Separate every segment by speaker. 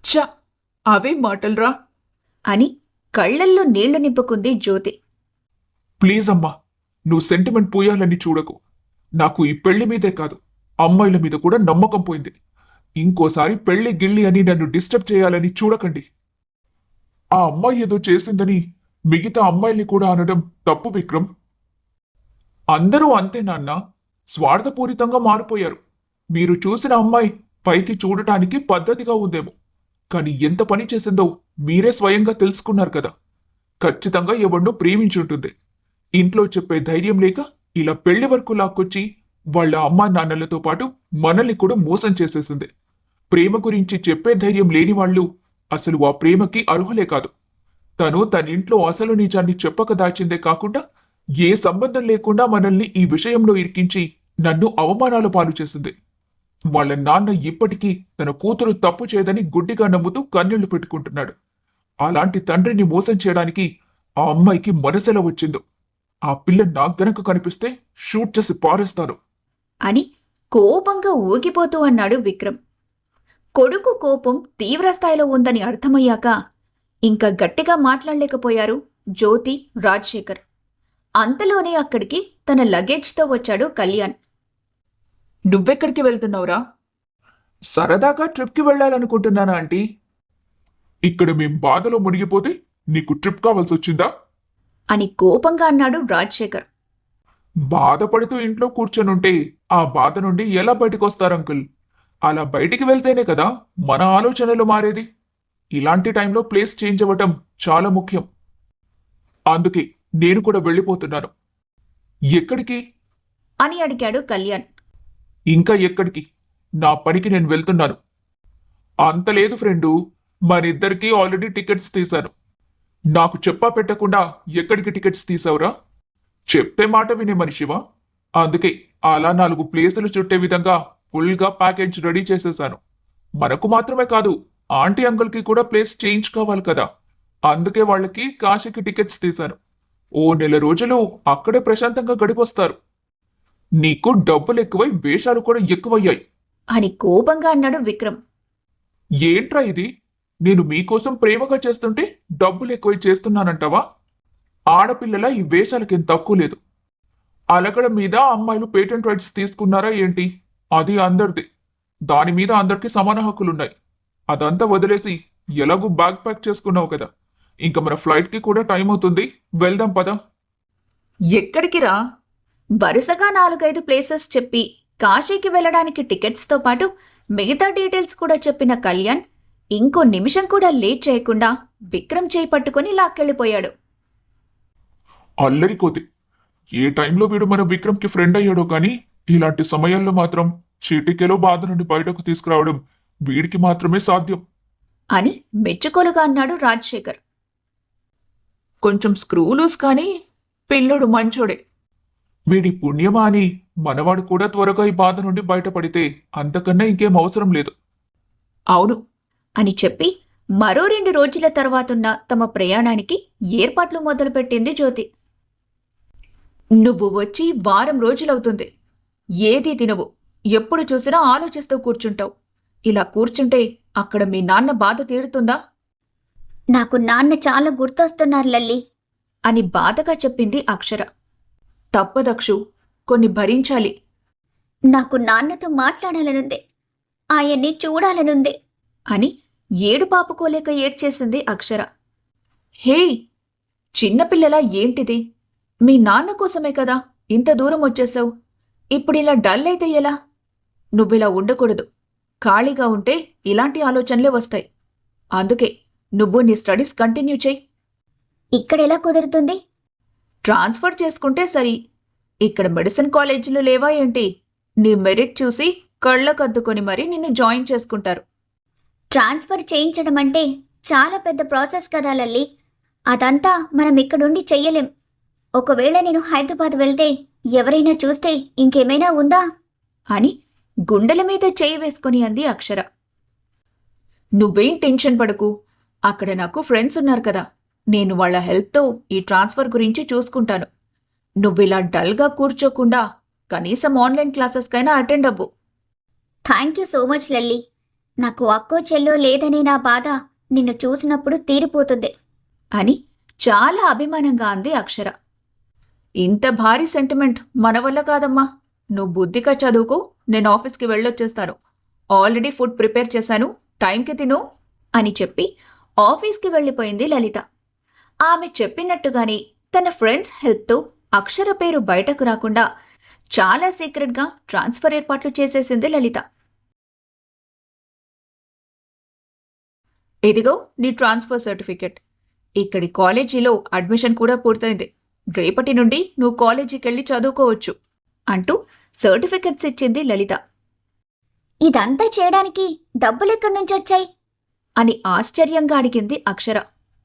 Speaker 1: ఛ! అవే మాటల్రా
Speaker 2: అని కళ్లల్లో నీళ్లు నింపుకుంది జ్యోతి.
Speaker 3: ప్లీజ్ అమ్మా, నువ్వు సెంటిమెంట్ పూయాలని చూడకు. నాకు ఈ పెళ్లి మీదే కాదు, అమ్మాయిల మీద కూడా నమ్మకం పోయింది. ఇంకోసారి పెళ్లి గిళ్ళి అని నన్ను డిస్టర్బ్ చేయాలని చూడకండి. ఆ అమ్మాయి ఏదో చేసిందని మిగతా అమ్మాయిల్ని కూడా అనడం తప్పు విక్రమ్. అందరూ అంతే నాన్న, స్వార్థపూరితంగా మారిపోయారు. మీరు చూసిన అమ్మాయి పైకి చూడటానికి పద్ధతిగా ఉందేమో, కానీ ఎంత పని చేసిందో మీరే స్వయంగా తెలుసుకున్నారు కదా. ఖచ్చితంగా ఎవరినో ప్రేమించుంటుంది. ఇంట్లో చెప్పే ధైర్యం లేక ఇలా పెళ్లి వరకు లాక్కొచ్చి వాళ్ళ అమ్మా నాన్నలతో పాటు మనల్ని కూడా మోసం చేసేసింది. ప్రేమ గురించి చెప్పే ధైర్యం లేని వాళ్ళు అసలు ఆ ప్రేమకి అర్హులే కాదు. తను తన ఇంట్లో అసలు నిజాన్ని చెప్పక దాచిందే కాకుండా ఏ సంబంధం లేకుండా మనల్ని ఈ విషయంలో ఇరికించి నన్ను అవమానాల పాలు చేసింది. వాళ్ళ నాన్న ఇప్పటికీ తన కూతురు తప్పు చేయదని గుడ్డిగా నమ్ముతూ కన్నీళ్లు పెట్టుకుంటున్నాడు. అలాంటి తండ్రిని మోసం చేయడానికి ఆ అమ్మాయికి మనసెలా వచ్చిందో. ఆ పిల్ల నాకు గనక కనిపిస్తే షూట్ చేసి పారేస్తాను
Speaker 2: అని కోపంగా ఊగిపోతూ అన్నాడు విక్రమ్. కొడుకు కోపం తీవ్రస్థాయిలో ఉందని అర్థమయ్యాక ఇంకా గట్టిగా మాట్లాడలేకపోయారు జ్యోతి, రాజశేఖర్. అంతలోనే అక్కడికి తన లగేజ్తో వచ్చాడు కళ్యాణ్.
Speaker 1: నువ్వెక్కడికి వెళ్తున్నావురా?
Speaker 3: సరదాగా ట్రిప్కి వెళ్ళాలనుకుంటున్నానా ఆంటీ. ఇక్కడ మేం బాధలో మునిగిపోతే నీకు ట్రిప్ కావాల్సి వచ్చిందా
Speaker 2: అని కోపంగా అన్నాడు రాజశేఖర్.
Speaker 3: బాధపడుతూ ఇంట్లో కూర్చొనుంటే ఆ బాధ నుండి ఎలా బయటకొస్తారు అంకుల్? అలా బయటికి వెళ్తేనే కదా మన ఆలోచనలు మారేది. ఇలాంటి టైంలో ప్లేస్ చేంజ్ అవ్వటం చాలా ముఖ్యం. అందుకే నేను కూడా వెళ్ళిపోతున్నాను. ఎక్కడికి
Speaker 2: అని అడిగాడు కళ్యాణ్.
Speaker 3: ఇంకా ఎక్కడికి? నా పనికి నేను వెళ్తున్నాను. అంత లేదు ఫ్రెండు, మనిద్దరికీ ఆల్రెడీ టికెట్స్ తీశాను. నాకు చెప్పా పెట్టకుండా ఎక్కడికి టికెట్స్ తీసావురా? చెప్తే మాట వినే మనిషివా? అందుకే అలా 4 ప్లేసులు చుట్టే విధంగా ఫుల్గా ప్యాకేజ్ రెడీ చేసేశాను. మనకు మాత్రమే కాదు, ఆంటీ అంకుల్కి కూడా ప్లేస్ చేంజ్ కావాలి కదా. అందుకే వాళ్ళకి కాశీకి టికెట్స్ తీశాను. ఓ 1 నెల రోజులు అక్కడే ప్రశాంతంగా గడిపొస్తారు. నీకు డబ్బులు ఎక్కువై వేషాలు కూడా ఎక్కువయ్యాయి
Speaker 2: అని కోపంగా అన్నాడు విక్రమ్.
Speaker 3: ఏంట్రా ఇది? నేను మీకోసం ప్రేమగా చేస్తుంటే డబ్బులు ఎక్కువై చేస్తున్నానంటావా? ఆడపిల్లల ఈ వేషాలకేం తక్కువ లేదు. అలగడం మీద అమ్మాయిలు పేటెంట్ రైట్స్ తీసుకున్నారా ఏంటి? అది అందరిది. దాని మీద అందరికీ సమాన హక్కులున్నాయి. అదంతా వదిలేసి ఎలాగూ బ్యాగ్ ప్యాక్ చేసుకున్నావు కదా. ఇంకా మన ఫ్లైట్కి కూడా టైం అవుతుంది, వెళ్దాం పదా.
Speaker 1: ఎక్కడికి రా?
Speaker 2: వరుసగా 4-5 ప్లేసెస్ చెప్పి కాశీకి వెళ్లడానికి టికెట్స్తో పాటు మిగతా డీటెయిల్స్ కూడా చెప్పిన కళ్యాణ్ ఇంకో నిమిషం కూడా లేట్ చేయకుండా విక్రమ్ చేయి పట్టుకుని లాక్కెళ్ళిపోయాడు.
Speaker 3: అల్లరి కోతి. ఏ టైంలో వీడు మన విక్రమ్కి ఫ్రెండ్ అయ్యాడో కానీ ఇలాంటి సమయాల్లో మాత్రం చీటికెలో బాధ నుండి బయటకు తీసుకురావడం వీడికి మాత్రమే సాధ్యం
Speaker 2: అని మెచ్చుకోలుగా అన్నాడు రాజశేఖర్.
Speaker 1: కొంచెం స్క్రూ లూస్ కానీ పిల్లోడు మంచోడే.
Speaker 3: వీడి పుణ్యమా అని మనవాడు కూడా త్వరగా ఈ బాధ నుండి బయటపడితే అంతకన్నా ఇంకేం అవసరం లేదు.
Speaker 1: అవును
Speaker 2: అని చెప్పి మరో 2 రోజుల తర్వాతున్న తమ ప్రయాణానికి ఏర్పాట్లు మొదలుపెట్టింది జ్యోతి.
Speaker 1: నువ్వు వచ్చి వారం రోజులవుతుంది. ఏదీ తినవు, ఎప్పుడు చూసినా ఆలోచిస్తూ కూర్చుంటావు. ఇలా కూర్చుంటే అక్కడ మీ నాన్న బాధ తీరుతుందా?
Speaker 4: నాకు నాన్న చాలా గుర్తొస్తున్నారు లల్లి
Speaker 2: అని బాధగా చెప్పింది అక్షర.
Speaker 1: తప్పదక్షు, కొన్ని భరించాలి.
Speaker 4: నాకు నాన్నతో మాట్లాడాలనుంది, ఆయన్ని చూడాలనుంది
Speaker 2: అని ఏడుపాపుకోలేక ఏడ్చేసింది అక్షర.
Speaker 1: హే, చిన్నపిల్లలా ఏంటిది? మీ నాన్న కోసమే కదా ఇంత దూరం వచ్చేసావు. ఇప్పుడిలా డల్ అయితే ఎలా? నువ్విలా ఉండకూడదు. ఖాళీగా ఉంటే ఇలాంటి ఆలోచనలే వస్తాయి. అందుకే నువ్వు నీ స్టడీస్ కంటిన్యూ చెయ్యి.
Speaker 4: ఇక్కడెలా కుదురుతుంది?
Speaker 1: ట్రాన్స్ఫర్ చేసుకుంటే సరి. ఇక్కడ మెడిసిన్ కాలేజీలు లేవా ఏంటి? నీ మెరిట్ చూసి కళ్ళకద్దుకొని మరీ నిన్ను జాయిన్ చేసుకుంటారు.
Speaker 4: ట్రాన్స్ఫర్ చేయించడం అంటే చాలా పెద్ద ప్రాసెస్ కదా లల్లి. అదంతా మనం ఇక్కడుండి చెయ్యలేం. ఒకవేళ నేను హైదరాబాద్ వెళ్తే ఎవరైనా చూస్తే ఇంకేమైనా ఉందా
Speaker 2: అని గుండెల మీద చేయి వేసుకుని అంది అక్షర.
Speaker 1: నువ్వేం టెన్షన్ పడకు. అక్కడ నాకు ఫ్రెండ్స్ ఉన్నారు కదా. నేను వాళ్ళ హెల్ప్తో ఈ ట్రాన్స్ఫర్ గురించి చూసుకుంటాను. నువ్విలా డల్గా కూర్చోకుండా కనీసం ఆన్లైన్ క్లాసెస్కైనా అటెండ్ అవ్వు.
Speaker 4: Thank you so much Lalli. నాకు అక్కో చెల్లో లేదనే నా బాధ నిన్ను చూసినప్పుడు తీరిపోతుంది.
Speaker 2: అని చాలా అభిమానంగా అంది అక్షర.
Speaker 1: ఇంత భారీ సెంటిమెంట్ మన వల్ల కాదమ్మా. నువ్వు బుద్ధిగా చదువుకో, నేను ఆఫీస్కి వెళ్ళొచ్చేస్తాను. ఆల్రెడీ ఫుడ్ ప్రిపేర్ చేశాను, టైంకి తిను
Speaker 2: అని చెప్పి ఆఫీస్కి వెళ్ళిపోయింది లలిత. ఆమె చెప్పినట్టుగానే తన ఫ్రెండ్స్ హెల్ప్తో అక్షర పేరు బయటకు రాకుండా చాలా సీక్రెట్గా ట్రాన్స్ఫర్ ఏర్పాట్లు చేసేసింది లలిత.
Speaker 1: ఇదిగో నీ ట్రాన్స్ఫర్ సర్టిఫికెట్. ఇక్కడి కాలేజీలో అడ్మిషన్ కూడా పూర్తయింది. రేపటి నుండి నువ్వు కాలేజీకి వెళ్ళి చదువుకోవచ్చు
Speaker 2: అంటూ సర్టిఫికెట్స్ ఇచ్చింది లలిత.
Speaker 4: ఇదంతా చేయడానికి డబ్బులెక్కడి నుంచి వచ్చాయి?
Speaker 2: అని ఆశ్చర్యంగా అడిగింది అక్షర.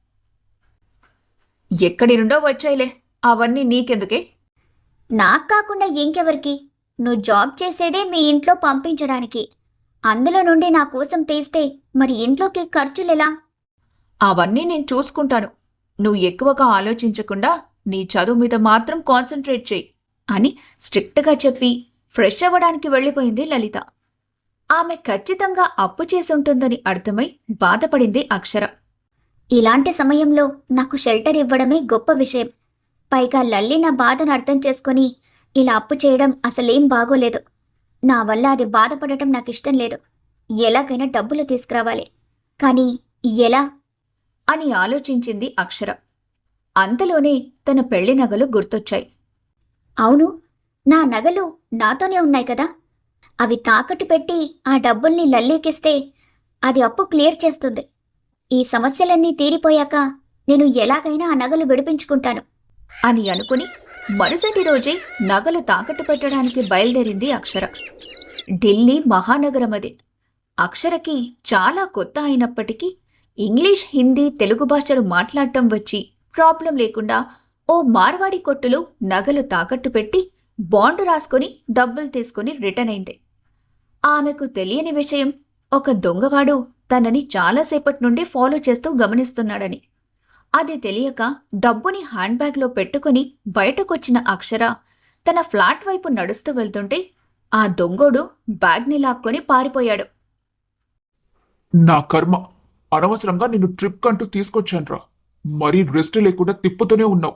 Speaker 1: ఎక్కడి నుండో వచ్చాయిలే, అవన్నీ నీకెందుకే?
Speaker 4: నాకు కాకుండా ఇంకెవరికి? నువ్వు జాబ్ చేసేదే మీ ఇంట్లో పంపించడానికి. అందులో నుండి నా కోసం తీస్తే మరి ఇంట్లోకి ఖర్చులెలా?
Speaker 1: అవన్నీ నేను చూసుకుంటాను. నువ్వు ఎక్కువగా ఆలోచించకుండా నీ చదువు మీద మాత్రం కాన్సన్ట్రేట్ చేయి
Speaker 2: అని స్ట్రిక్ట్గా చెప్పి ఫ్రెష్ అవ్వడానికి వెళ్ళిపోయింది లలిత. ఆమె ఖచ్చితంగా అప్పు చేసుంటుందని అర్థమై బాధపడింది అక్షర.
Speaker 4: ఇలాంటి సమయంలో నాకు షెల్టర్ ఇవ్వడమే గొప్ప విషయం. పైగా లల్లి నా బాధను అర్థం చేసుకొని ఇలా అప్పు చేయడం అసలేం బాగోలేదు. నా వల్ల అది బాధపడటం నాకు ఇష్టం లేదు. ఎలాగైనా డబ్బులు తీసుకురావాలి. కానీ ఎలా
Speaker 2: అని ఆలోచించింది అక్షర. అంతలోనే తన పెళ్లి నగలు గుర్తొచ్చాయి.
Speaker 4: అవును, నా నగలు నాతోనే ఉన్నాయి కదా. అవి తాకట్టు పెట్టి ఆ డబ్బుల్ని లల్లీకిస్తే అది అప్పు క్లియర్ చేస్తుంది. ఈ సమస్యలన్నీ తీరిపోయాక నేను ఎలాగైనా ఆ నగలు విడిపించుకుంటాను
Speaker 2: అని అనుకుని మరుసటి రోజే నగలు తాకట్టు పెట్టడానికి బయలుదేరింది అక్షర. ఢిల్లీ మహానగరం అది. అక్షరకి చాలా కొత్త అయినప్పటికీ ఇంగ్లీష్, హిందీ, తెలుగు భాషలు మాట్లాడటం వచ్చి ప్రాబ్లం లేకుండా ఓ మార్వాడి కొట్టులో నగలు తాకట్టు పెట్టి బాండ్ రాసుకొని డబ్బులు తీసుకుని రిటర్న్ అయింది. ఆమెకు తెలియని విషయం, ఒక దొంగవాడు తనని చాలాసేపటి నుండి ఫాలో చేస్తూ గమనిస్తున్నాడని. అది తెలియక డబ్బుని హ్యాండ్ బ్యాగ్లో పెట్టుకుని బయటకొచ్చిన అక్షర తన ఫ్లాట్ వైపు నడుస్తూ వెళ్తుంటే ఆ దొంగోడు బ్యాగ్ని లాక్కొని పారిపోయాడు.
Speaker 3: నా కర్మ, అనవసరంగా నిన్ను ట్రిప్ కంటూ తీసుకొచ్చానురా. మరీ రెస్ట్ లేకుండా తిప్పుతూనే ఉన్నావు.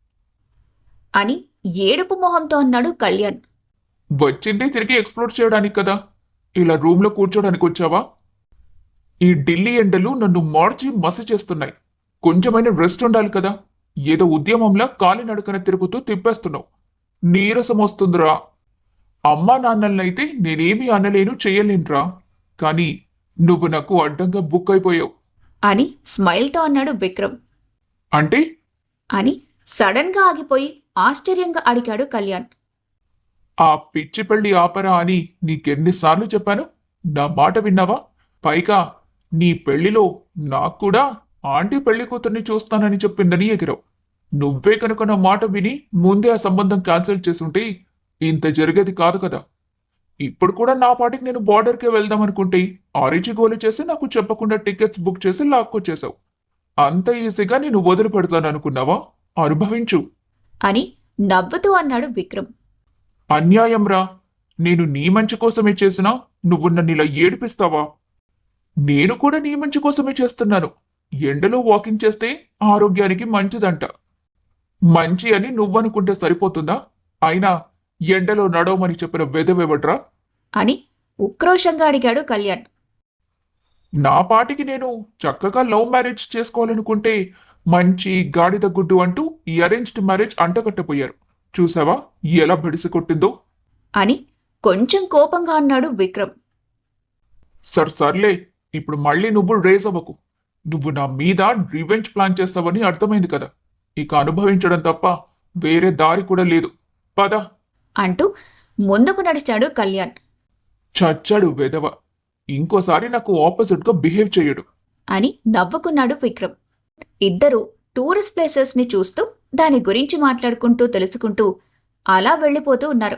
Speaker 2: అని ఏడుపు మొహంతో అన్నాడు కళ్యాణ్.
Speaker 3: వచ్చింది తిరిగి ఎక్స్ప్లోర్ చేయడానికి కదా, ఇలా రూమ్లో కూర్చోడానికి వచ్చావా? ఈ ఢిల్లీ ఎండలు నన్ను మార్చి మసి చేస్తున్నాయి. కొంచెమైనా రెస్ట్ ఉండాలి కదా. ఏదో ఉద్యమంలా కాలినడకన తిరుగుతూ తిప్పేస్తున్నావు. నీరసం వస్తుందిరా. అమ్మా నాన్నలనైతే నేనేమీ అనలేను, చెయ్యలేనురా. కానీ నువ్వు నాకు అడ్డంగా బుక్ అయిపోయావు
Speaker 2: అని స్మైల్తో అన్నాడు విక్రమ్.
Speaker 3: అంటే?
Speaker 2: అని సడన్గా ఆగిపోయి ఆశ్చర్యంగా అడిగాడు కళ్యాణ్.
Speaker 3: ఆ పిచ్చి పెళ్లి ఆపరా అని నీకెన్నిసార్లు చెప్పాను? నా మాట విన్నావా? పైగా నీ పెళ్లిలో నాకు కూడా ఆంటీ పెళ్లి కూతుర్ని చూస్తానని చెప్పిందని ఎగిరావు. నువ్వే కనుక నా మాట విని ముందే ఆ సంబంధం క్యాన్సిల్ చేసుంటే ఇంత జరిగేది కాదు కదా. ఇప్పుడు కూడా నా పాటికి నేను బార్డర్కే వెళ్దామనుకుంటే ఆరిచి గోలు చేసి నాకు చెప్పకుండా టికెట్స్ బుక్ చేసి లాక్కొచ్చేశావు. అంత ఈజీగా నేను వదిలిపెడతాననుకున్నావా? అనుభవించు
Speaker 2: అని నవ్వుతూ అన్నాడు విక్రమ్.
Speaker 3: అన్యాయంరా. నేను నీ మంచి కోసమే చేసినా నువ్వు నన్ను ఇలా ఏడిపిస్తావా? నేను కూడా నీ మంచి కోసమే చేస్తున్నాను. ఎండలో వాకింగ్ చేస్తే ఆరోగ్యానికి మంచిదంట. మంచి అని నువ్వనుకుంటే సరిపోతుందా? అయినా ఎండలో నడవమని చెప్పిన వెదవెవడ్రా
Speaker 2: అని ఉక్రోషంగా అడిగాడు కళ్యాణ్.
Speaker 3: నా పాటికి నేను చక్కగా లవ్ మ్యారేజ్ చేసుకోవాలనుకుంటే మంచి గాడిద గుడ్డు అంటూ ఈ అరేంజ్డ్ మ్యారేజ్ అంటగట్టపోయారు. చూసావా ఎలా బడిసి కొట్టిందో
Speaker 2: అని కొంచెం కోపంగా అన్నాడు విక్రమ్.
Speaker 3: సర్లే, ఇప్పుడు మళ్ళీ నువ్వు రేజ్ అవ్వకు. నువ్వు నా మీద రివెంజ్ ప్లాన్ చేస్తావని అర్థమైంది కదా. ఇక అనుభవించడం తప్ప వేరే దారి కూడా లేదు. పద
Speaker 2: అంటూ ముందుకు నడిచాడు కళ్యాణ్.
Speaker 3: చచ్చాడు వెదవ. ఇంకోసారి నాకు ఆపోజిట్గా బిహేవ్ చేయడు
Speaker 2: అని నవ్వుకున్నాడు విక్రమ్. ఇద్దరూ టూరిస్ట్ ప్లేసెస్ని చూస్తూ దాని గురించి మాట్లాడుకుంటూ తెలుసుకుంటూ అలా వెళ్ళిపోతూ ఉన్నారు.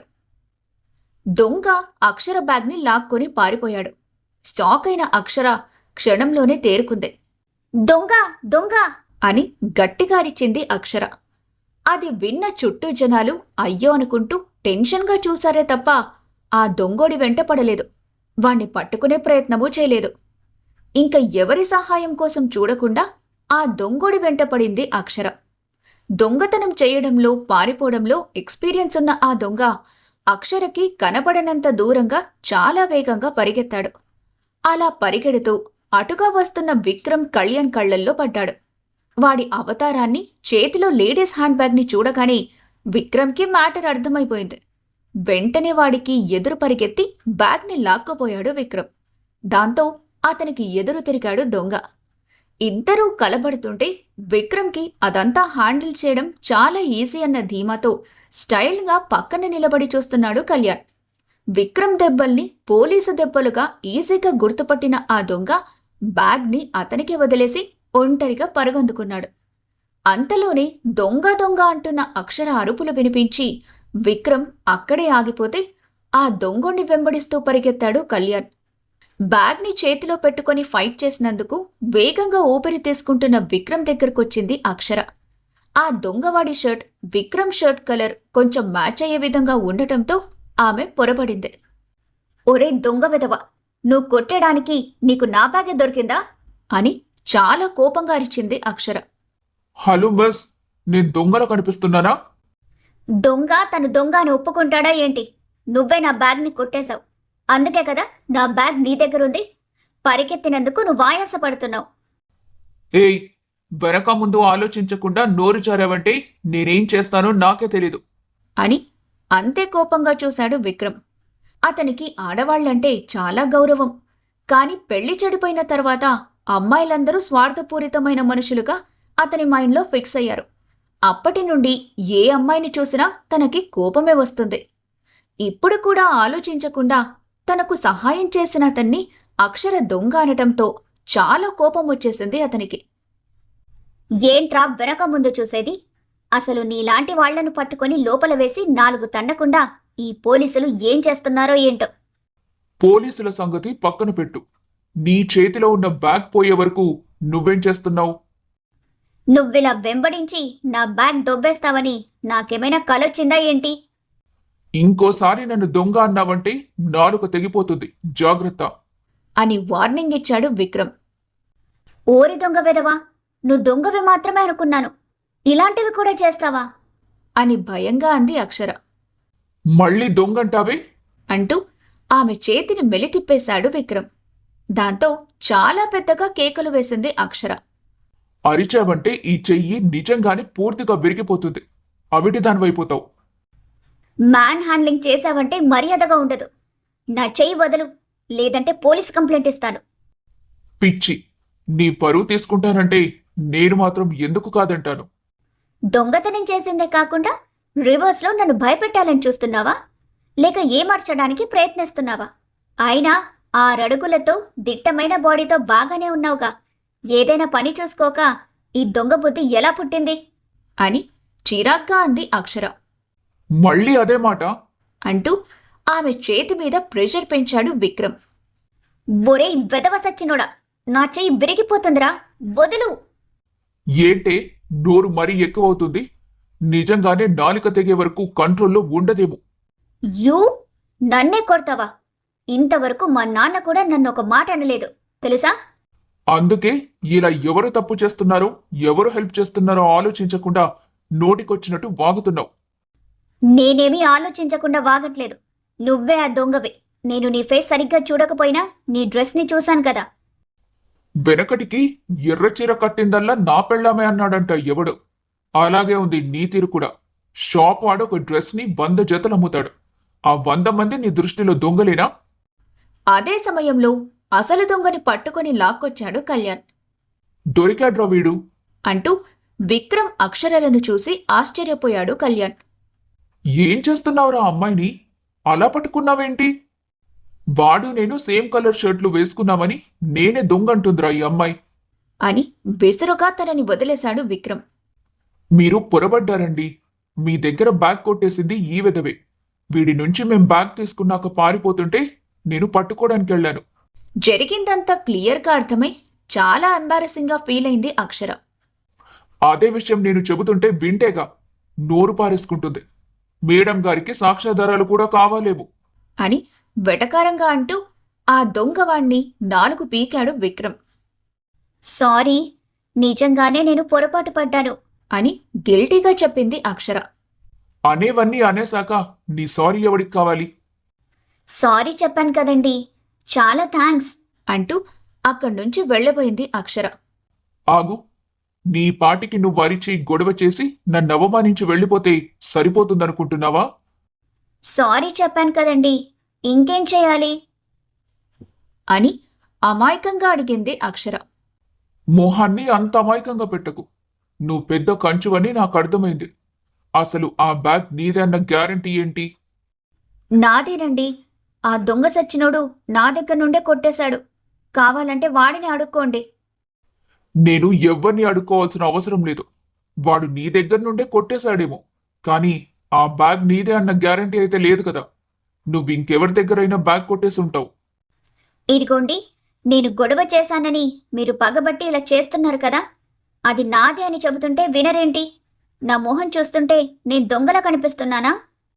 Speaker 2: దొంగ అక్షర బ్యాగ్ని లాక్కొని పారిపోయాడు. షాక్ అయిన అక్షర క్షణంలోనే తేరుకుంది.
Speaker 4: దొంగ దొంగ
Speaker 2: అని గట్టిగా అరిచింది అక్షర. అది విన్న చుట్టూ జనాలు అయ్యో అనుకుంటూ టెన్షన్గా చూశారే తప్ప ఆ దొంగోడి వెంట పడలేదు. వాణ్ణి పట్టుకునే ప్రయత్నమూ చేయలేదు. ఇంక ఎవరి సహాయం కోసం చూడకుండా ఆ దొంగోడి వెంట పడింది అక్షర. దొంగతనం చేయడంలో, పారిపోవడంలో ఎక్స్పీరియన్స్ ఉన్న ఆ దొంగ అక్షరకి కనపడనంత దూరంగా చాలా వేగంగా పరిగెత్తాడు. అలా పరిగెడుతూ అటుగా వస్తున్న విక్రమ్, కళ్యాణ్ కళ్లల్లో పడ్డాడు. వాడి అవతారాన్ని, చేతిలో లేడీస్ హ్యాండ్ బ్యాగ్ని చూడగానే విక్రమ్కి మ్యాటర్ అర్థమైపోయింది. వెంటనే వాడికి ఎదురు పరిగెత్తి బ్యాగ్ని లాక్కోపోయాడు విక్రమ్. దాంతో అతనికి ఎదురు తిరిగాడు దొంగ. ఇద్దరూ కలబడుతుంటే విక్రమ్కి అదంతా హ్యాండిల్ చేయడం చాలా ఈజీ అన్న ధీమాతో స్టైల్గా పక్కన నిలబడి చూస్తున్నాడు కళ్యాణ్. విక్రమ్ దెబ్బల్ని పోలీసు దెబ్బలుగా ఈజీగా గుర్తుపట్టిన ఆ దొంగ బ్యాగ్ని అతనికి వదిలేసి ఒంటరిగా పరుగందుకున్నాడు. అంతలోనే దొంగ దొంగ అంటున్న అక్షర అరుపులు వినిపించి విక్రమ్ అక్కడే ఆగిపోతే ఆ దొంగోణ్ణి వెంబడిస్తూ పరిగెత్తాడు కళ్యాణ్. బ్యాగ్ని చేతిలో పెట్టుకుని ఫైట్ చేసినందుకు వేగంగా ఊపిరి తీసుకుంటున్న విక్రమ్ దగ్గరకొచ్చింది అక్షర. ఆ దొంగవాడి షర్ట్ విక్రమ్ షర్ట్ కలర్ కొంచెం మ్యాచ్ అయ్యే విధంగా ఉండటంతో ఆమె పొరబడింది.
Speaker 4: ఒరే దొంగ విధవ, నువ్వు కొట్టడానికి నీకు నా బ్యాగే దొరికిందా
Speaker 2: అని చాలా కోపంగా అరిచింది అక్షర.
Speaker 3: హలో బస్, నేను దొంగలో కనిపిస్తున్నానా?
Speaker 4: దొంగ తను దొంగ అని ఒప్పుకుంటాడా ఏంటి? నువ్వే నా బ్యాగ్ని కొట్టేశావు. అందుకే కదా నా బ్యాగ్ నీ దగ్గరుంది. పరిగెత్తినందుకు నువ్వు ఆయాసపడుతున్నావు.
Speaker 3: ఏయ్, వెనక ముందు ఆలోచించకుండా నోరు జారావంటే నేనేం చేస్తానో నాకే తెలీదు.
Speaker 2: అని అంతే కోపంగా చూశాడు విక్రమ్. అతనికి ఆడవాళ్లంటే చాలా గౌరవం. కాని పెళ్లి చెడిపోయిన తర్వాత అమ్మాయిలందరూ స్వార్థపూరితమైన మనుషులుగా అతని మైండ్లో ఫిక్స్ అయ్యారు. అప్పటి నుండి ఏ అమ్మాయిని చూసినా తనకి కోపమే వస్తుంది. ఇప్పుడు కూడా ఆలోచించకుండా తనకు సహాయం చేసిన అతన్ని అక్షర దొంగ అనటంతో చాలా కోపం వచ్చేసింది అతనికి.
Speaker 4: ఏంట్రా వెనక ముందు చూసేది? అసలు నీలాంటి వాళ్లను పట్టుకొని లోపల వేసి 4 తన్నకుండా ఈ పోలీసులు ఏం చేస్తున్నారో ఏంటో.
Speaker 3: పోలీసుల సంగతి పక్కన పెట్టు. నీ చేతిలో ఉన్న బ్యాగ్ పోయే వరకు నువ్వేం చేస్తున్నావు?
Speaker 4: నువ్విలా వెంబడించి నా బ్యాగ్ దొబ్బేస్తావని నాకేమైనా కలొచ్చిందా ఏంటి?
Speaker 3: ఇంకోసారి నన్ను దొంగ అన్నావంటే నాలుక తెగిపోతుంది, జాగ్రత్త
Speaker 2: అని వార్నింగ్ ఇచ్చాడు విక్రమ్.
Speaker 4: ఓరి దొంగ వెదవా, నువ్వు దొంగవి మాత్రమే అనుకున్నాను. ఇలాంటివి కూడా చేస్తావా
Speaker 2: అని భయంగా అంది అక్షర.
Speaker 3: మళ్ళీ దొంగంటావే
Speaker 2: అంటూ ఆమె చేతిని మెలితిప్పేశాడు విక్రమ్. దాంతో చాలా పెద్దగా కేకలు వేసింది అక్షర.
Speaker 3: అరిచావంటే ఈ చెయ్యి నిజంగానే పూర్తిగా విరిగిపోతుంది. అవిటి దానివైపోతావు.
Speaker 4: మ్యాన్ హ్యాండ్లింగ్ చేశావంటే మర్యాదగా ఉండదు. నా చెయ్యి వదలు, లేదంటే పోలీస్ కంప్లైంట్ ఇస్తాను.
Speaker 3: పిచ్చి, నీ పరువు తీసుకుంటానంటే నేను మాత్రం ఎందుకు కాదంటాను.
Speaker 4: దొంగతనం చేసిందే కాకుండా రివర్స్లో నన్ను భయపెట్టాలని చూస్తున్నావా? లేక ఏమార్చడానికి ప్రయత్నిస్తున్నావా? అయినా 6 అడుగులతో దిట్టమైన బాడీతో బాగానే ఉన్నావుగా. ఏదైనా పని చూసుకోక ఈ దొంగ బుద్ధి ఎలా పుట్టింది
Speaker 2: అని చిరాగ్గా అంది అక్షర.
Speaker 3: మళ్ళీ అదే మాట
Speaker 2: అంటూ ఆమె చేతి మీద ప్రెషర్ పెంచాడు విక్రమ్.
Speaker 4: ఒరే వెదవ సచ్చినోడా, నా చెయ్యి విరిగిపోతుందిరా, వదులు.
Speaker 3: ఏంటే నోరు మరీ ఎక్కువవుతుంది. నిజంగానే నాలుక తెగే వరకు కంట్రోల్లో ఉండదేమో.
Speaker 4: యూ నన్నే కొడతావా? ఇంతవరకు మా నాన్న కూడా నన్ను ఒక మాట అనలేదు తెలుసా?
Speaker 3: అందుకే ఇలా ఎవరు తప్పు చేస్తున్నారో, ఎవరు హెల్ప్ చేస్తున్నారో ఆలోచించకుండా నోటికొచ్చినట్టు వాగుతున్నావు.
Speaker 4: నేనేమీ ఆలోచించకుండా వాగట్లేదు. నువ్వే ఆ దొంగవి. నేను నీ ఫేస్ సరిగ్గా చూడకపోయినా నీ డ్రెస్ని చూశాను కదా.
Speaker 3: వెనకటికి ఎర్రచీర కట్టిందల్లా నా పెళ్ళామే అన్నాడంట ఎవడు. అలాగే ఉంది నీ తీరు కూడా. షాప్ వాడు ఒక డ్రెస్ని 100 జతలు అమ్ముతాడు. ఆ 100 మంది నీ దృష్టిలో దొంగలేనా?
Speaker 2: అదే సమయంలో అసలు దొంగని పట్టుకొని లాక్కొచ్చాడు కళ్యాణ్.
Speaker 3: దొరికాడ్రా వీడు
Speaker 2: అంటూ విక్రమ్ అక్షరలను చూసి ఆశ్చర్యపోయాడు కళ్యాణ్.
Speaker 3: ఏం చేస్తున్నావురా అమ్మాయిని? అలా పట్టుకున్నావేంటి? వాడు నేను సేమ్ కలర్ షర్ట్లు వేసుకున్నామని నేనే దొంగంటుందిరా ఈ అమ్మాయి
Speaker 2: అని బెసురుగా తనని వదిలేశాడు విక్రమ్.
Speaker 3: మీరు పొరబడ్డారండి. మీ దగ్గర బ్యాగ్ కొట్టేసింది ఈ విధవే. వీడి నుంచి మేం బ్యాగ్ తీసుకున్నాక పారిపోతుంటే నేను పట్టుకోవడానికి వెళ్ళాను.
Speaker 2: జరిగిందంతా క్లియర్గా అర్థమై చాలా ఎంబారసింగ్గా ఫీల్ అయింది అక్షర.
Speaker 3: అదే విషయం నేను చెబుతుంటే వింటేగా నోరు పారేసుకుంటుంది. మేడం గారికి సాక్ష్యాధారాలు కూడా కావాలేమో
Speaker 2: అని వెటకారంగా అంటూ ఆ దొంగవాణ్ణి 4 పీకాడు విక్రమ్.
Speaker 4: సారీ, నిజంగానే నేను పొరపాటు పడ్డాను.
Speaker 2: అని గిల్టీగా చెప్పింది అక్షర.
Speaker 3: అనేవన్నీ అనేశాక నీ సారీ ఎవడికి కావాలి?
Speaker 4: సారీ చెప్పాను కదండి, చాలా థ్యాంక్స్.
Speaker 2: అంటూ అక్కడ్నుంచి వెళ్ళబోయింది అక్షర.
Speaker 3: ఆగు. నీ పాటికి నువ్వు అరిచి గొడవ చేసి నన్ను అవమానించి వెళ్ళిపోతే సరిపోతుందనుకుంటున్నావా?
Speaker 4: సారీ చెప్పాను కదండి, ఇంకేం చేయాలి?
Speaker 2: అని అమాయకంగా అడిగింది అక్షర.
Speaker 3: మొహాన్ని అంత అమాయకంగా పెట్టకు. నువ్వు పెద్ద కంచువని నాకు అర్థమైంది. అసలు ఆ బ్యాగ్ నీదే అన్న గ్యారంటీ ఏంటి?
Speaker 4: నాదేనండి. ఆ దొంగ సచ్చినోడు నా దగ్గర నుండే కొట్టేశాడు. కావాలంటే వాడిని అడుక్కోండి.
Speaker 3: నేను ఎవ్వరిని అడుక్కోవాల్సిన అవసరం లేదు. వాడు నీ దగ్గర నుండే కొట్టేశాడేమో, కానీ ఆ బ్యాగ్ నీదే అన్న గ్యారంటీ అయితే లేదు కదా. నువ్వు ఇంకెవరి దగ్గరైనా బ్యాగ్ కొట్టేసి ఉంటావు.
Speaker 4: ఇదిగోండి, నేను గొడవ చేశానని మీరు పగబట్టి ఇలా చేస్తున్నారు కదా, అది నాదే అని చెబుతుంటే వినరేంటి? నా మొహం చూస్తుంటే నేను దొంగలా కనిపిస్తున్నానా?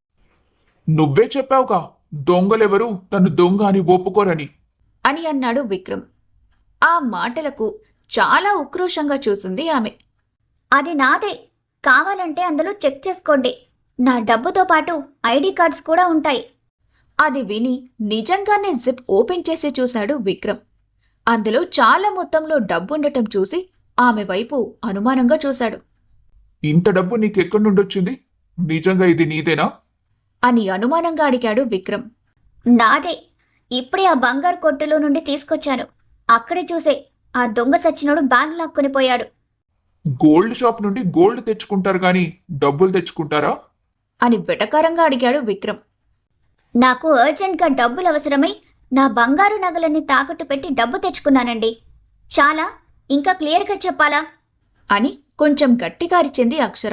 Speaker 3: నువ్వే చెప్పావుగా దొంగలెవరూ తను దొంగ అని ఒప్పుకోరని.
Speaker 2: అని అన్నాడు విక్రమ్. ఆ మాటలకు చాలా ఉక్రోషంగా చూసింది ఆమె.
Speaker 4: అది నాదే, కావాలంటే అందులో చెక్ చేసుకోండి. నా డబ్బుతో పాటు ఐడి కార్డ్స్ కూడా ఉంటాయి.
Speaker 2: అది విని నిజంగానే జిప్ ఓపెన్ చేసి చూశాడు విక్రమ్. అందులో చాలా మొత్తంలో డబ్బుండటం చూసి ఆమె వైపు అనుమానంగా చూశాడు.
Speaker 3: ఇంత డబ్బు నీకెక్కడి నుండొచ్చింది? నిజంగా ఇది నీదేనా?
Speaker 2: అని అనుమానంగా అడిగాడు విక్రమ్.
Speaker 4: నాదే, ఇప్పుడే ఆ బంగారు కొట్టులో నుండి తీసుకొచ్చాను. అక్కడే చూసే ఆ దొంగ సచ్చినోడు బ్యాగ్ లాక్కొని పోయాడు.
Speaker 3: గోల్డ్ షాప్ నుండి గోల్డ్ తెచ్చుకుంటారు గాని డబ్బులు తెచ్చుకుంటారా?
Speaker 2: అని వెటకారంగా అడిగాడు విక్రమ్.
Speaker 4: నాకు అర్జెంట్గా డబ్బులు అవసరమై నా బంగారు నగలన్నీ తాకట్టు పెట్టి డబ్బు తెచ్చుకున్నానండి. చాలా, ఇంకా క్లియర్గా చెప్పాలా?
Speaker 2: అని కొంచెం గట్టిగా అరిచింది అక్షర.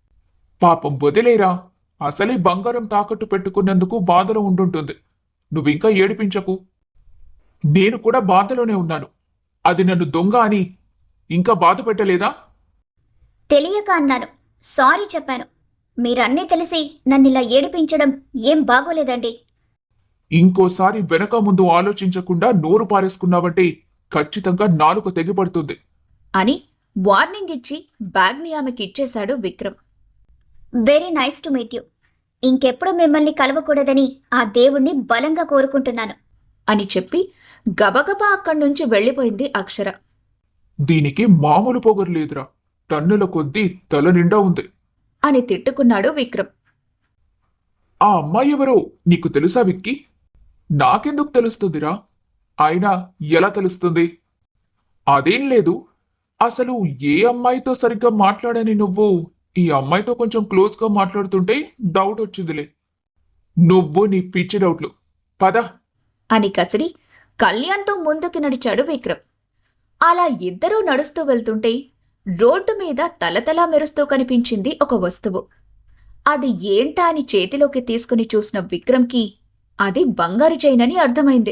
Speaker 3: పాపం వదిలేరా. అసలే బంగారం తాకట్టు పెట్టుకున్నందుకు బాధలో ఉండుంటుంది. నువ్వింకా ఏడిపించకు. నేను కూడా బాధలోనే ఉన్నాను. అది నన్ను దొంగ అని ఇంకా బాధ పెట్టలేదా?
Speaker 4: తెలియక అన్నాను, సారీ చెప్పాను. మీరన్నీ తెలిసి నన్నిలా ఏడిపించడం ఏం బాగోలేదండి.
Speaker 3: ఇంకోసారి వెనక ముందు ఆలోచించకుండా నోరు పారేసుకున్నావంటే ఖచ్చితంగా నాలుక తెగిపడుతుంది.
Speaker 2: అని వార్నింగ్ ఇచ్చి బ్యాగ్ని ఆమెకి ఇచ్చేశాడు Vikram.
Speaker 4: Very nice to meet you. ఇంకెప్పుడు మిమ్మల్ని కలవకూడదని ఆ దేవుణ్ణి బలంగా కోరుకుంటున్నాను.
Speaker 2: అని చెప్పి గబగబా అక్కడ్నుంచి వెళ్ళిపోయింది అక్షర.
Speaker 3: దీనికి మామూలు పొగరు లేదురా. టన్నుల కొద్దీ తల నిండా ఉంది.
Speaker 2: అని తిట్టుకున్నాడు విక్రమ్.
Speaker 3: ఆ అమ్మాయి ఎవరో నీకు తెలుసా విక్కీ? నాకెందుకు తెలుస్తుందిరా? అయినా ఎలా తెలుస్తుంది? అదేం లేదు. అసలు ఏ అమ్మాయితో సరిగ్గా మాట్లాడని నువ్వు ఈ అమ్మాయితో కొంచెం క్లోజ్గా మాట్లాడుతుంటే డౌట్ వచ్చిందిలే. నువ్వు నీ పిచ్చి డౌట్లు. పద.
Speaker 2: అని కసిరి కళ్యాణ్తో ముందుకి నడిచాడు విక్రమ్. అలా ఇద్దరూ నడుస్తూ వెళ్తుంటే రోడ్డు మీద తలతలా మెరుస్తూ కనిపించింది ఒక వస్తువు. అది ఏంటా అని చేతిలోకి తీసుకుని చూసిన విక్రమ్కి అది బంగారు చైన్ అని అర్థమైంది.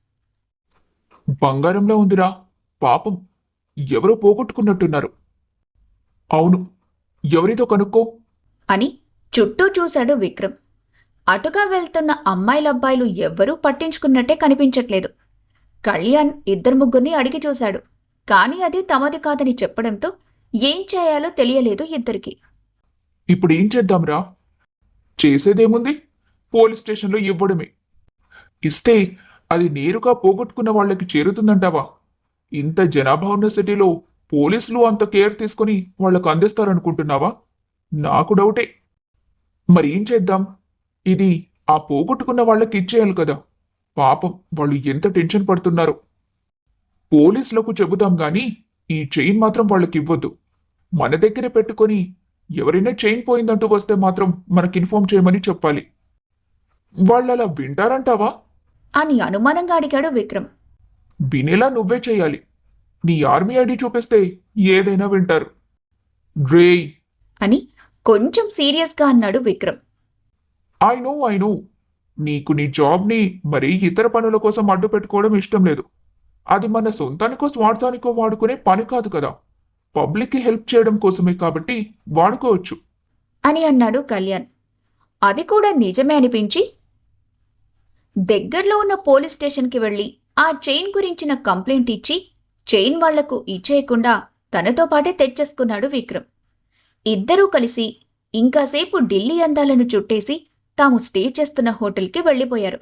Speaker 3: బంగారంలో ఉందిరా. పాపం ఎవరో పోగొట్టుకున్నట్టున్నారు. అవును, ఎవరితో కనుక్కో.
Speaker 2: అని చుట్టూ చూశాడు విక్రమ్. అటుగా వెళ్తున్న అమ్మాయిలబ్బాయిలు ఎవ్వరూ పట్టించుకున్నట్టే కనిపించట్లేదు. కళ్యాణ్ 2-3 అడిగి చూశాడు. కాని అది తమది కాదని చెప్పడంతో ఏం చేయాలో తెలియలేదు ఇద్దరికి.
Speaker 3: ఇప్పుడు ఏం చేద్దాంరా? చేసేదేముంది? పోలీస్ స్టేషన్లో ఇవ్వడమే. ఇస్తే అది నేరుగా పోగొట్టుకున్న వాళ్ళకి చేరుతుందంటావా? ఇంత జనాభా ఉన్న సిటీలో పోలీసులు అంత కేర్ తీసుకుని వాళ్లకు అందిస్తారనుకుంటున్నావా? నాకు డౌటే. మరి ఏం చేద్దాం? ఇది ఆ పోగొట్టుకున్న వాళ్ళకి ఇచ్చేయాలి కదా. పాపం వాళ్ళు ఎంత టెన్షన్ పడుతున్నారో. పోలీసులకు చెబుదాం గాని ఈ చైన్ మాత్రం వాళ్ళకి ఇవ్వద్దు. మన దగ్గరే పెట్టుకొని ఎవరైనా చైన్ పోయిందంటూ వస్తే మాత్రం మనకి ఇన్ఫార్మ్ చేయమని చెప్పాలి. వాళ్ళలా వింటారంటావా?
Speaker 2: అని అనుమానంగా అడిగాడు విక్రమ్.
Speaker 3: వినేలా నువ్వే చేయాలి. నీ ఆర్మీ ఐడి చూపిస్తే ఏదైనా వింటారు. రేయ్
Speaker 2: అని కొంచెం సీరియస్గా అన్నాడు విక్రమ్.
Speaker 3: I know. నీకు నీ జాబ్ని మరీ ఇతర పనుల కోసం అడ్డు పెట్టుకోవడం ఇష్టం లేదు. అది మన సొంతానికో స్వార్థానికో వాడుకునే పని కాదు కదా. పబ్లిక్కి హెల్ప్ చేయడం కోసమే కాబట్టి వాడుకోవచ్చు.
Speaker 2: అని అన్నాడు కళ్యాణ్. అది కూడా నిజమే అనిపించి, దగ్గర్లో ఉన్న పోలీస్ స్టేషన్కి వెళ్లి ఆ చైన్ గురించిన కంప్లైంట్ ఇచ్చి చైన్ వాళ్లకు ఇచ్చేయకుండా తనతో పాటే తెచ్చేసుకున్నాడు విక్రమ్. ఇద్దరూ కలిసి ఇంకాసేపు ఢిల్లీ అందాలను చుట్టేసి తాము స్టే చేస్తున్న హోటల్కి వెళ్ళిపోయారు.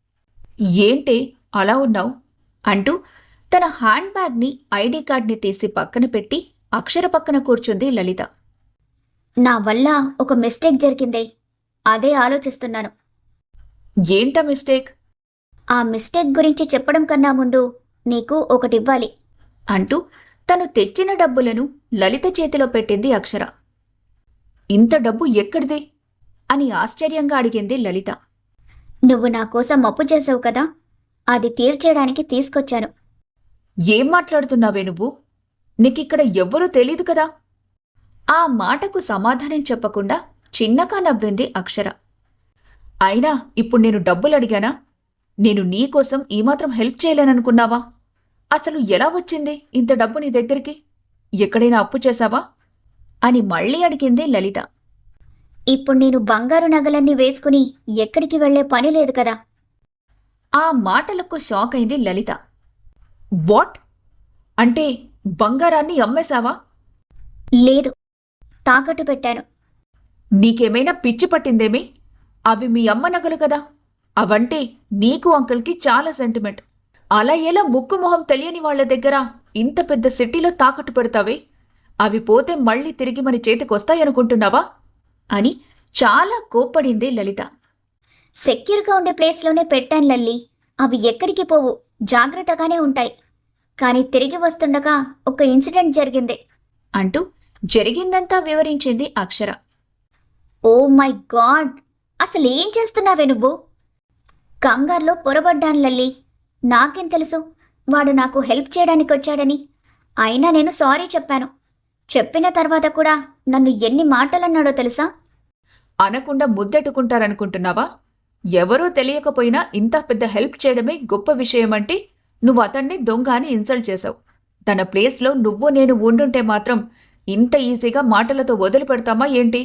Speaker 1: ఏంటే అలా ఉన్నావు
Speaker 2: అంటూ తన హ్యాండ్ బ్యాగ్ని ఐడి కార్డ్ని తీసి పక్కన పెట్టి అక్షర పక్కన కూర్చుంది లలిత.
Speaker 4: నా వల్ల ఒక మిస్టేక్ జరిగిందే, అదే ఆలోచిస్తున్నాను.
Speaker 1: ఏంటా మిస్టేక్?
Speaker 4: ఆ మిస్టేక్ గురించి చెప్పడం కన్నా ముందు నీకు ఒకటివ్వాలి
Speaker 2: అంటూ తను తెచ్చిన డబ్బులను లలిత చేతిలో పెట్టింది అక్షర.
Speaker 1: ఇంత డబ్బు ఎక్కడిది?
Speaker 2: అని ఆశ్చర్యంగా అడిగింది లలిత.
Speaker 4: నువ్వు నా కోసం అప్పు చేసావు కదా, అది తీర్చేయడానికి తీసుకొచ్చాను.
Speaker 1: ఏం మాట్లాడుతున్నావే నువ్వు? నీకిక్కడ ఎవ్వరూ తెలీదు కదా.
Speaker 2: ఆ మాటకు సమాధానం చెప్పకుండా చిన్నగా నవ్వింది అక్షర.
Speaker 1: అయినా ఇప్పుడు నేను డబ్బులు అడిగానా? నేను నీకోసం ఈమాత్రం హెల్ప్ చేయలేననుకున్నావా? అసలు ఎలా వచ్చింది ఇంత డబ్బు నీ దగ్గరికి? ఎక్కడైనా అప్పు చేశావా?
Speaker 2: అని మళ్ళీ అడిగింది లలిత.
Speaker 4: ఇప్పుడు నేను బంగారు నగలన్నీ వేసుకుని ఎక్కడికి వెళ్లే పని లేదు కదా.
Speaker 2: ఆ మాటలకు షాక్ అయింది లలిత.
Speaker 1: వాట్? అంటే బంగారాన్ని అమ్మేశావా?
Speaker 4: లేదు, తాకట్టు పెట్టాను.
Speaker 1: నీకేమైనా పిచ్చి పట్టిందేమి? అవి మీ అమ్మ నగలు కదా. అవంటే నీకు అంకుల్కి చాలా సెంటిమెంట్. అలా ఎలా ముక్కు మొహం తెలియని వాళ్ల దగ్గర ఇంత పెద్ద సిటీలో తాకట్టు పెడతావే? అవి పోతే మళ్ళీ తిరిగి మన చేతికొస్తాయనుకుంటున్నావా?
Speaker 2: అని చాలా కోప్పడింది లలిత.
Speaker 4: సెక్యూర్గా ఉండే ప్లేస్లోనే పెట్టాను లల్లి, అవి ఎక్కడికి పోవు, జాగ్రత్తగానే ఉంటాయి. కానీ తిరిగి వస్తుండగా ఒక ఇన్సిడెంట్ జరిగింది
Speaker 2: అంటూ జరిగిందంతా వివరించింది అక్షర.
Speaker 4: ఓ మై గాడ్, అసలు ఏం చేస్తున్నావే నువ్వు? కంగారులో పొరబడ్డాను లల్లి. నాకేం తెలుసు వాడు నాకు హెల్ప్ చేయడానికి వచ్చాడని. అయినా నేను సారీ చెప్పాను. చెప్పిన తర్వాత కూడా నన్ను ఎన్ని మాటలన్నాడో తెలుసా?
Speaker 1: అనకుండా ముద్దెట్టుకుంటారనుకుంటున్నావా? ఎవరో తెలియకపోయినా ఇంత పెద్ద హెల్ప్ చేయడమే గొప్ప విషయమంటే నువ్వు అతన్ని దొంగ అని ఇన్సల్ట్ చేశావు. తన ప్లేస్లో నువ్వు నేను ఉండుంటే మాత్రం ఇంత ఈజీగా మాటలతో వదిలిపెడతామా ఏంటి?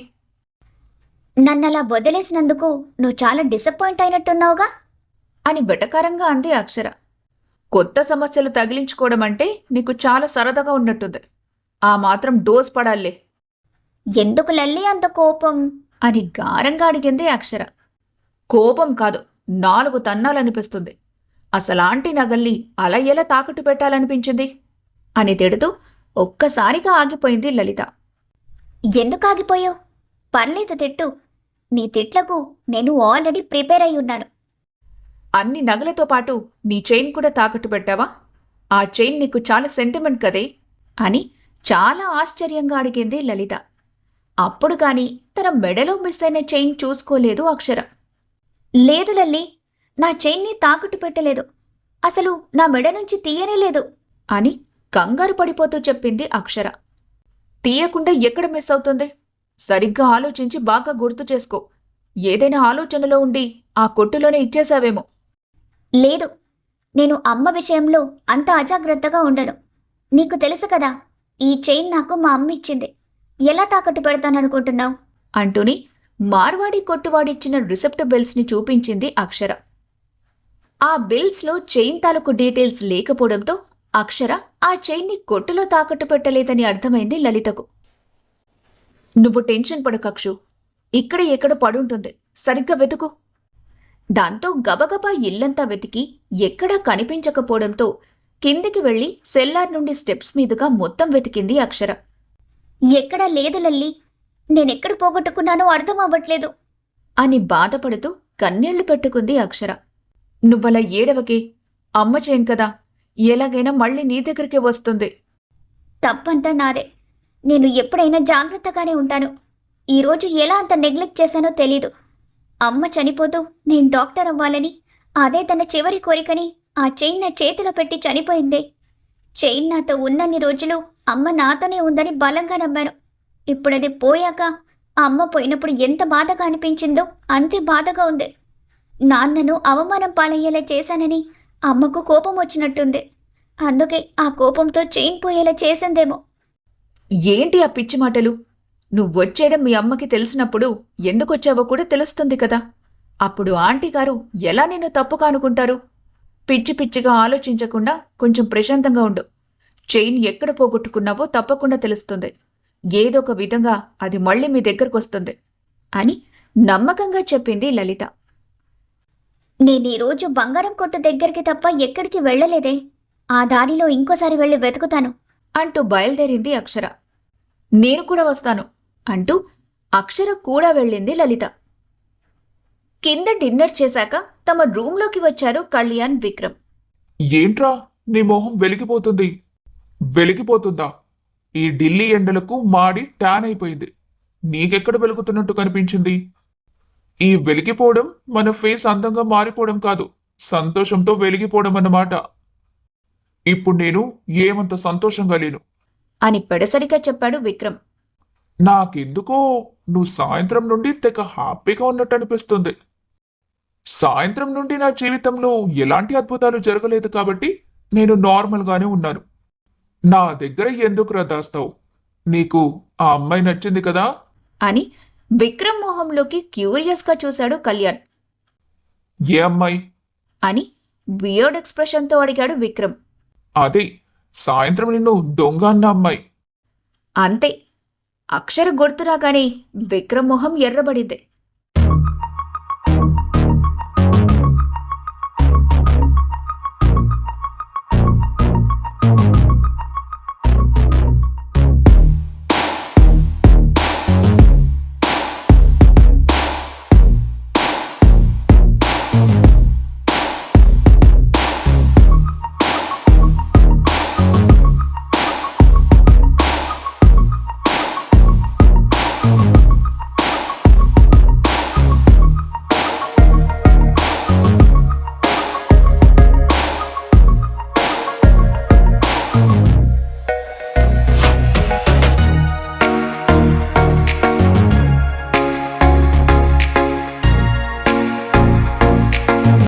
Speaker 4: నన్నలా వదిలేసినందుకు నువ్వు చాలా డిసప్పాయింట్ అయినట్టున్నావుగా
Speaker 1: అని వెటకారంగా అంది అక్షర. కొత్త సమస్యలు తగిలించుకోవడం అంటే నీకు చాలా సరదాగా ఉన్నట్టుంది. ఆ మాత్రం డోస్ పడాలే.
Speaker 4: ఎందుకు లల్లి అంత కోపం?
Speaker 2: అని గారంగా అడిగింది అక్షర.
Speaker 1: కోపం కాదు, 4 తన్నాలనిపిస్తుంది. అసలాంటి నగల్ని అలా ఎలా తాకట్టు పెట్టాలనిపించింది?
Speaker 2: అని తిడుతూ ఒక్కసారిగా ఆగిపోయింది లలిత.
Speaker 4: ఎందుకు ఆగిపోయావు? పర్లేదు తిట్టు. నీ తిట్లకు నేను ఆల్రెడీ ప్రిపేర్ అయి ఉన్నాను.
Speaker 1: అన్ని నగలతో పాటు నీ చైన్ కూడా తాకట్టు పెట్టావా? ఆ చైన్ నీకు చాలా సెంటిమెంట్ కదే.
Speaker 2: అని చాలా ఆశ్చర్యంగా అడిగింది లలిత. అప్పుడు కాని తన మెడలో మిస్ అయిన చైన్ చూసుకోలేదు అక్షర.
Speaker 4: లేదు లల్లి, నా చైన్ని తాకట్టు పెట్టలేదు. అసలు నా మెడ నుంచి తీయనే లేదు
Speaker 2: అని కంగారు పడిపోతూ చెప్పింది అక్షర.
Speaker 1: తీయకుండా ఎక్కడ మిస్ అవుతుంది? సరిగ్గా ఆలోచించి బాగా గుర్తు చేసుకో. ఏదైనా ఆలోచనలో ఉండి ఆ కొట్టులోనే ఇచ్చేశావేమో.
Speaker 4: లేదు, నేను అమ్మ విషయంలో అంత అజాగ్రత్తగా ఉండను. నీకు తెలుసు కదా, ఈ చైన్ నాకు మా అమ్మ ఇచ్చింది. ఎలా తాకట్టు పెడతాననుకుంటున్నావు?
Speaker 2: అంటూని మార్వాడి కొట్టువాడిచ్చిన రిసెప్ట్ బిల్స్ని చూపించింది అక్షర. ఆ బిల్స్లో చైన్ తాలూకు డీటెయిల్స్ లేకపోవడంతో అక్షర ఆ చైన్ని కొట్టులో తాకట్టు పెట్టలేదని అర్థమైంది లలితకు.
Speaker 1: నువ్వు టెన్షన్ పడకక్షు. ఇక్కడ ఎక్కడ పడుంటుంది, సరిగ్గా వెతుకు.
Speaker 2: దాంతో గబగబా ఇల్లంతా వెతికి ఎక్కడా కనిపించకపోవడంతో కిందికి వెళ్లి సెల్లార్ నుండి స్టెప్స్ మీదుగా మొత్తం వెతికింది అక్షర.
Speaker 4: ఎక్కడా లేదు లల్లి, నేనెక్కడ పోగొట్టుకున్నానో అర్థం అవ్వట్లేదు
Speaker 2: అని బాధపడుతూ కన్నీళ్లు పెట్టుకుంది అక్షర.
Speaker 1: నువ్వలా ఏడవకే. అమ్మ చైన్ కదా, ఎలాగైనా మళ్ళీ నీ దగ్గరికే వస్తుంది.
Speaker 4: తప్పంతా నాదే. నేను ఎప్పుడైనా జాగ్రత్తగానే ఉంటాను. ఈరోజు ఎలా అంత నెగ్లెక్ట్ చేశానో తెలీదు. అమ్మ చనిపోతూ నేను డాక్టర్ అవ్వాలని, అదే తన చివరి కోరికని ఆ చైన్ నా చేతిలో పెట్టి చనిపోయిందే. చైన్ నాతో ఉన్నన్ని రోజులు అమ్మ నాతోనే ఉందని బలంగా నమ్మాను. ఇప్పుడది పోయాక అమ్మ పోయినప్పుడు ఎంత బాధగా అనిపించిందో అంతే బాధగా ఉంది. నాన్నను అవమానం పాలయ్యేలా చేశానని అమ్మకు కోపం వచ్చినట్టుంది. అందుకే ఆ కోపంతో చైన్ పోయేలా చేసిందేమో.
Speaker 1: ఏంటి ఆ పిచ్చి మాటలు? నువ్వొచ్చేయడం మీ అమ్మకి తెలిసినప్పుడు ఎందుకొచ్చావో కూడా తెలుస్తుంది కదా. అప్పుడు ఆంటీ గారు ఎలా నిన్ను తప్పుగా అనుకుంటారు? పిచ్చి పిచ్చిగా ఆలోచించకుండా కొంచెం ప్రశాంతంగా ఉండు. చైన్ ఎక్కడ పోగొట్టుకున్నావో తప్పకుండా తెలుస్తుంది. ఏదో ఒక విధంగా అది మళ్ళీ మీ దగ్గరకొస్తుంది
Speaker 2: అని నమ్మకంగా చెప్పింది లలిత.
Speaker 4: నేను ఈరోజు బంగారం కొట్టు దగ్గరికి తప్ప ఎక్కడికి వెళ్ళలేదే. ఆ దారిలో ఇంకోసారి వెళ్ళి వెతుకుతాను.
Speaker 2: అంటూ బయలుదేరింది అక్షర.
Speaker 1: నేను కూడా వస్తాను
Speaker 2: అంటూ అక్షర కూడా వెళ్ళింది లలిత. కింద డిన్నర్ చేశాక తమ రూంలోకి వచ్చారు కళ్యాణ్, విక్రమ్.
Speaker 3: ఏంట్రా నీ మొహం వెలిగిపోతుంది? వెలిగిపోతుందా? ఈ ఢిల్లీ ఎండలకు మాడి ట్యాన్ అయిపోయింది. నీకెక్కడ వెలుగుతున్నట్టు కనిపించింది? ఈ వెలిగిపోవడం మన ఫేస్ అందంగా మారిపోవడం కాదు, సంతోషంతో వెలిగిపోవడం అన్నమాట. ఇప్పుడు నేను ఏమంత సంతోషంగా లేను.
Speaker 2: అని పెడసరిగా చెప్పాడు విక్రమ్.
Speaker 3: నాకెందుకో నువ్వు సాయంత్రం నుండి తెగ హ్యాపీగా ఉన్నట్టు అనిపిస్తుంది. సాయంత్రం నుండి నా జీవితంలో ఎలాంటి అద్భుతాలు జరగలేదు కాబట్టి నేను నార్మల్గానే ఉన్నాను. నా దగ్గర ఎందుకురా దాస్తావు? నీకు ఆ అమ్మాయి నచ్చింది కదా?
Speaker 2: అని విక్రమ్ మొహంలోకి క్యూరియస్గా చూశాడు కళ్యాణ్.
Speaker 3: ఏ అమ్మాయి?
Speaker 2: అని వియర్డ్ ఎక్స్ప్రెషన్తో అడిగాడు విక్రమ్.
Speaker 3: అదే సాయంత్రం నిన్ను దొంగ అన్న అమ్మాయి.
Speaker 2: అంతే. అక్షర గుర్తురాగానే విక్రమ్ మొహం ఎర్రబడింది.